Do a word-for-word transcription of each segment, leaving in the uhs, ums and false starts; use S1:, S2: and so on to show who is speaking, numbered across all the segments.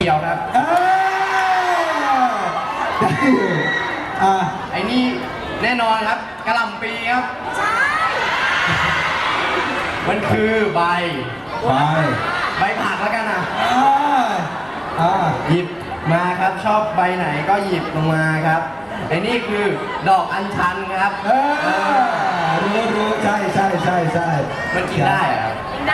S1: ยวครับ
S2: เออได้อยู่อ่า
S1: ไอ้นี่แน่นอนครับกะหล่ำปีครับใช่มันคือใบ
S2: ไป
S1: ใบผักแล้วกันนะ
S2: อ่าอ่า
S1: หยิบมาครับชอบใบไหนก็หยิบลงมาครับไอ้นี่คือดอกอัญชันครับ
S2: เออรู้รู้ใช่ใช่ใช่ใช่
S1: มันกินได้เหรอครับ
S3: ได้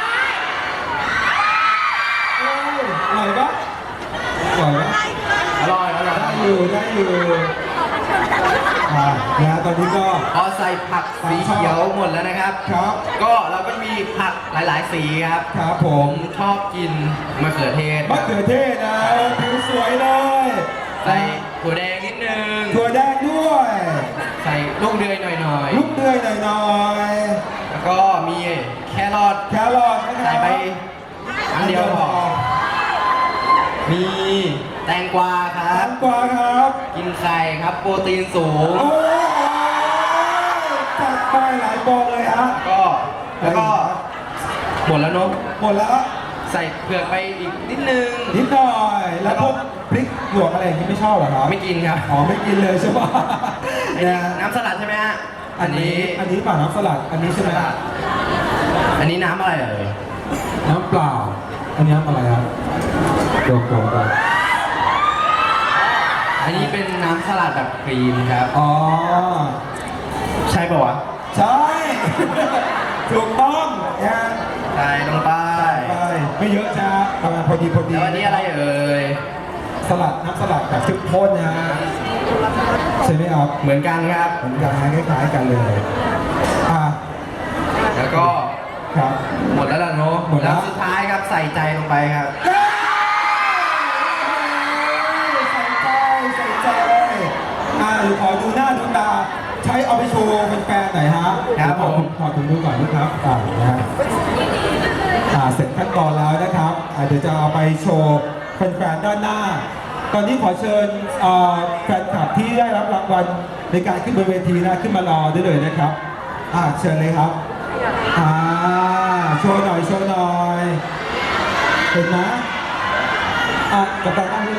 S2: เอ้ยอร่อยปะอร่อยปะ
S1: อร่อยอร่อย
S2: ได้อยู่ได้อยู่อ่านะตอนนี้ก็
S1: พอใส่ผักสีเขียวหมดแล้วนะครับ
S2: ครับ
S1: ก็เราก็มีผักหลาย ๆ สีครับ
S2: ครับผ
S1: ผม มชอบกินมะเขือเทศค
S2: มะ
S1: รับ
S2: เขือเทศนะผิวสวยเลย
S1: ใส่ถั่วแดงนิดนึง
S2: ถั่วแดงด้วย
S1: ใส่ลูกเดือยหน่อย
S2: ลูกเดือยหน่อยหน่อย
S1: ๆ แล้วก็มีแครอท
S2: แครอทนะครับ
S1: ใส่ไปอันเดียวพอมีแตงกวาค
S2: แต
S1: รับ
S2: งกวาครับ
S1: กินไข่ครับโปรตีนสูง
S2: โอ้ยจัดไปหลายบองเลยฮะ
S1: ก็แล้วก็หมดแล้วเนอะ
S2: หมดแล้ว
S1: ใส่เผือกไปอีกนิดนึง
S2: นิดหน่อย แล้วพวกพริกหยวกอะไรอย่างนี้ไม่ชอบเหรอครับ
S1: ไม่กินครับ
S2: อ๋อไม่กินเลยใช่ปะ
S1: อัน
S2: เนี่
S1: นี้
S2: ย
S1: น้ำสลัดใช่ไหมฮะ
S2: อันนี้อันนี้เปล่าน้ำสลัดอันนี้ใช่ไหม
S1: อันนี้น้ำอะไรเอ่ย
S2: น้ำเปล่า อันนี้น้ำอะไรครับโดกโดกโดก
S1: อันนี้เป็นน้ำสลัดแบบครีมครับ
S2: อ๋อ
S1: ใช่ป่าวะ
S2: ใช่ ถูกต้องนะ
S1: ใช่ลงไป
S2: ไปไม่เยอะจ้าประมาณพอดีพอดี
S1: แล้วอันนี้อะไรเอ่ย
S2: สลัดน้ำสลัดแบบเข้มข้นนะฮะใช่ไหมครับ
S1: เหมือนกันครับ
S2: เหมือนกันนะคล้ายๆกันเลยอ่ะ
S1: แล้วก็
S2: ครับ
S1: หมดแล้วล่ะเนอะ
S2: หมดแล้ว
S1: สุดท้ายครับใส่ใจลงไปครับ
S2: ใส่ใจใส่ใจอ่ะเดี๋ยวขอดูหน้าดูตาใช้เอาไปโชว์แฟนๆหน่อยฮะ
S1: ครับผม
S2: ขอถุงมือก่อนนะครับอ่านะฮะอ่าเสร็จขั้นตอนแล้วนะครับอ่าเดี๋ยวจะเอาไปโชว์แฟนๆด้านหน้า ตอนนี้ขอเชิญเอ่อแฟนคลับที่ได้รับรางวัลในการขึ้นบนเวทีนะขึ้นมารอได้เลยนะครับอ่าเชิญเลยครับอ่าโชว์หน่อยโชว์หน่อยเห็นไหมอ่ะกับตาตั้ง